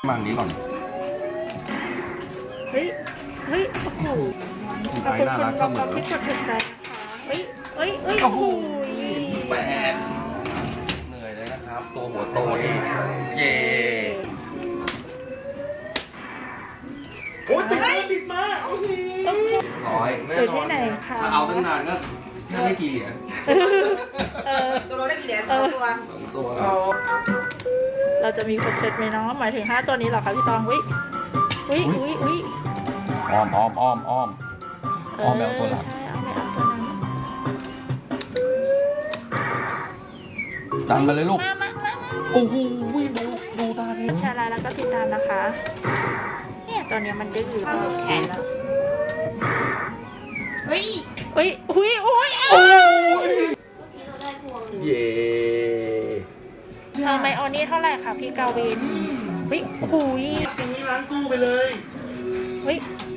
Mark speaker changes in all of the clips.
Speaker 1: มาอันนี้ก่อน
Speaker 2: เฮ้ยโอ้โหขอบคุณคุณบอมที่กดถูกใจนะคะเฮ้ยโอ้โห
Speaker 1: แปดเหนื่อยเลยนะครับตัวหัวโตนี่เย่
Speaker 3: โอ้ยติดมาโอเค
Speaker 1: ร้อย
Speaker 2: อยู่ที่ไหนคะ
Speaker 1: ถ้าเอาตั้งนานก็ไม่กี่เหรียญ
Speaker 4: ตัวได้กี่เหรียญตัว
Speaker 2: เราจะมีครบเซตไหมเนาะหมายถึง5ตัวนี้เหรอคะพี่ตองอุ้ย
Speaker 3: อ้อมแบบตัวหลัก
Speaker 2: ใช่เอาไปเอาตัวนั้น
Speaker 3: ดันไปเลยลูกโอ้โหดูตาเท
Speaker 2: แชร์ไลน์แล้วก็ติดตามนะคะเนี่ยตัวนี้มันดื้อหรือเปล่า
Speaker 4: แขนแล้วเฮ้ย
Speaker 1: เย่
Speaker 2: ไมออนี่เท่าไหร่คะพี่กาวินหุย
Speaker 3: อย่างนี้ล้างตู้ไปเลย
Speaker 2: หุย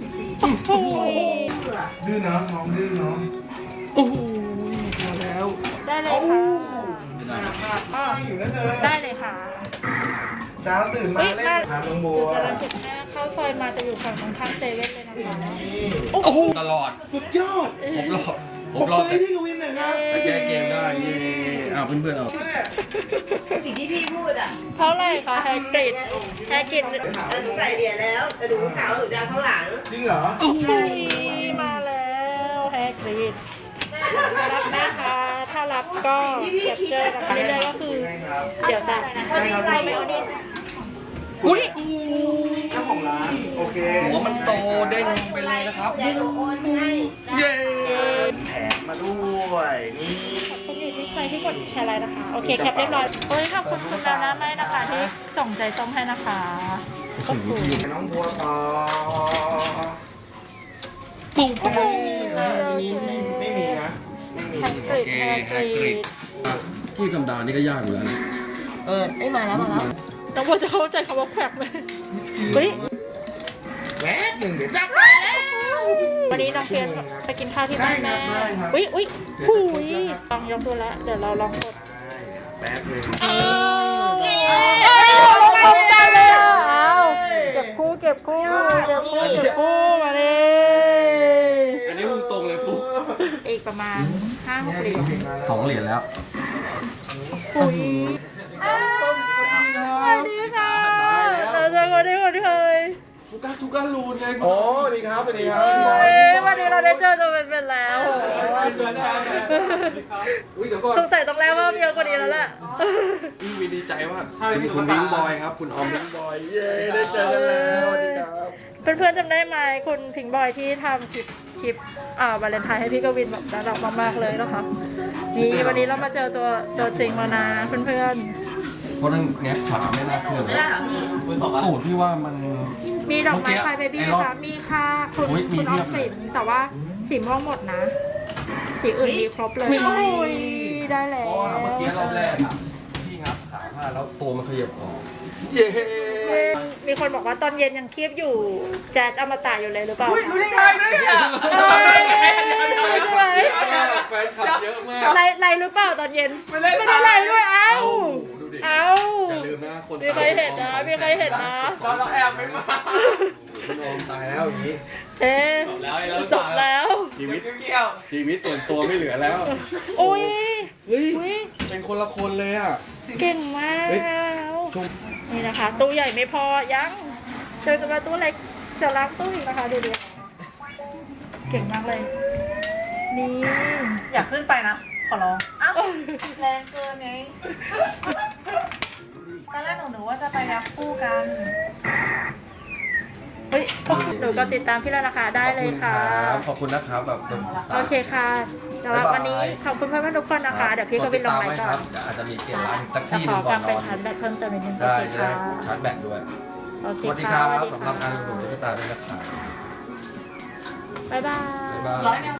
Speaker 3: ดื้อเนาะน้องดื้อเนาะ
Speaker 1: โอ้โหมาแล้ว
Speaker 2: ได้เลยค่ะ
Speaker 3: อยู่นะเธอ
Speaker 2: ได้เลยค่ะ
Speaker 3: เช้าตื่นมาเล่นน้ำน้องบัว
Speaker 2: จะรังจุดแม่เข้าซอยมาจะอยู่ฝั่งตรงข้ามเซเว่นเลยนะคะ
Speaker 1: โอ้โหตลอด
Speaker 3: สุดยอด
Speaker 1: ผมรอ
Speaker 3: พี่กวินหน่อยครับ
Speaker 1: แก้เกมได้เย่เพื่อนเอา
Speaker 4: สิ่งที่พี่พูดอ่ะ
Speaker 2: เท่าไหร่คะแฮกติด
Speaker 4: หนูใส่เหรียญแล้วแต่หนูขาวหนูจะข้างหลัง
Speaker 3: จริงเหรอ
Speaker 2: มาแล้วแฮกติดรับนะคะถ้ารับก็เก็บเจอกันเรื่อยๆก็คือเดี๋ยวจะไม่เอาดิ
Speaker 1: อุ้ย
Speaker 3: เจ้าของร้านโอเค
Speaker 1: หัวมันโตเด้งไปเลยนะครับเย่
Speaker 3: แถมมาด้วยนี่
Speaker 2: ขอบคุณที่ใครที่กดแชร์ไลน์นะคะโอเคแคปเรียบร้อยขอบคุณคุณดาวนะไม่นะคะที่ส่งใจส้มให้นะคะขอบคุณ
Speaker 3: น้องบัวต่อ
Speaker 1: ปุ๊บ
Speaker 3: นี่ไม่มีนะไม่มี
Speaker 2: แฮกริด
Speaker 1: ที่ธรรมดานี่ก็ยากอยู่แล้วนะ
Speaker 4: ไม่มาแล้ว
Speaker 2: น้องบัวจะเข้าใจคำว่าแขวกไหม
Speaker 3: แวบหนึ่งเดี๋ยวจับ
Speaker 2: วันนี้น้องเพียนไปกินข้าวที่บ้านแม่ต้องยกดูแล้วเดี๋ยวเราลองกด
Speaker 3: แป๊บนึง
Speaker 2: เข้าใจเลยเก็บคู่มาเลย
Speaker 1: อันนี้มึงตรงเลยฟุก
Speaker 2: อีกประมาณ 5-6 เหรียญ
Speaker 1: 2 เหรียญแล้ว
Speaker 2: สวัสดีค่ะเราเจอคนที่เคย
Speaker 1: ทุกการรูนไง
Speaker 3: โอ้ดีครับสวัสดีครับ
Speaker 2: วันนี้เราได้เจอตัวเป็นๆแล้วสงสัยต้องแล้วว่าเยอะกว่านี้แล้วแหละ
Speaker 1: พี่ดีใจมากคุณพิงบอยครับคุณออมพิงบอยเย้ได้เจอกันแล้วสวัสดีครับ
Speaker 2: เพื่อนๆจำได้ไหมคุณพิงบอยที่ทำคลิปวาเลนไทน์ให้พี่กวินแบบน่ารักมากๆเลยนะคะนี่วันนี้เรามาเจอตัวจริงแล้วนะเพื่อน
Speaker 1: ๆเพราะนั่นแงบฉาไม่น่าเชื่อเลยตูดพี่ว่ามัน
Speaker 2: มีดอกไม้ไฟเบบี้ค่ะมีค่ะคุณออมสินแต่ว่าสีม่วงหมดนะสีอื่นมีครบเลยได้แล้ว
Speaker 1: เมื่อกี้รอบแรกพี่งับขาผ้าแล้วตัวมันขยับออกเย้
Speaker 2: มีคนบอกว่าตอนเย็นยังคีบอยู่แจ๊ดอมตะอยู่เลยหรือเปล่า
Speaker 4: รู้ได้ไงด้วยอ่ะ
Speaker 1: แฟนคลับเยอะมาก
Speaker 2: ไลหรือเปล่าตอนเย็นไม่ได้ไลด้วยอย่
Speaker 1: าลืมนะคน
Speaker 2: มีใครเห็นนะ
Speaker 4: เราแอบไปมา
Speaker 1: คุณโอมตายแล้วอย่างนี้
Speaker 2: จบแล้ว
Speaker 1: ชีวิตส่วนตัวไม่เหลือแล้ว
Speaker 2: อุ้ย
Speaker 1: เป็นคนละคนเลยอ่ะ
Speaker 2: เก่งมากนี่นะคะตู้ใหญ่ไม่พอยังเจอกันมาตู้เล็กจะล้างตู้อีกนะคะดูเก่งมากเลยนี่
Speaker 4: อยากขึ้นไปนะขอร้องอ้าวแรงเกินไงตอนแรกหนูว่าจะไปนับคู่กัน
Speaker 2: หนูก็ติดตามพี่แล้วนะคะได้เลยค่ะ
Speaker 1: ขอบคุณนะครับแบบ
Speaker 2: โอเคค่ะสำหรับวันนี้ขอบคุณเพื่อนๆทุกคนนะคะเดี๋ยวพี่ก็ไปลงไลน์ก่อน
Speaker 1: อาจจะมีเปลี่ยนร้านสักที่นึงก่อนนอน
Speaker 2: ไปชาร์จแบตเพิ่มเติมนิดนึง
Speaker 1: ได้ชาร์จแบตด้วยสวัสดีครับสำหรับการดูตุ๊กตาด้วยนะครับ
Speaker 2: บ๊ายบาย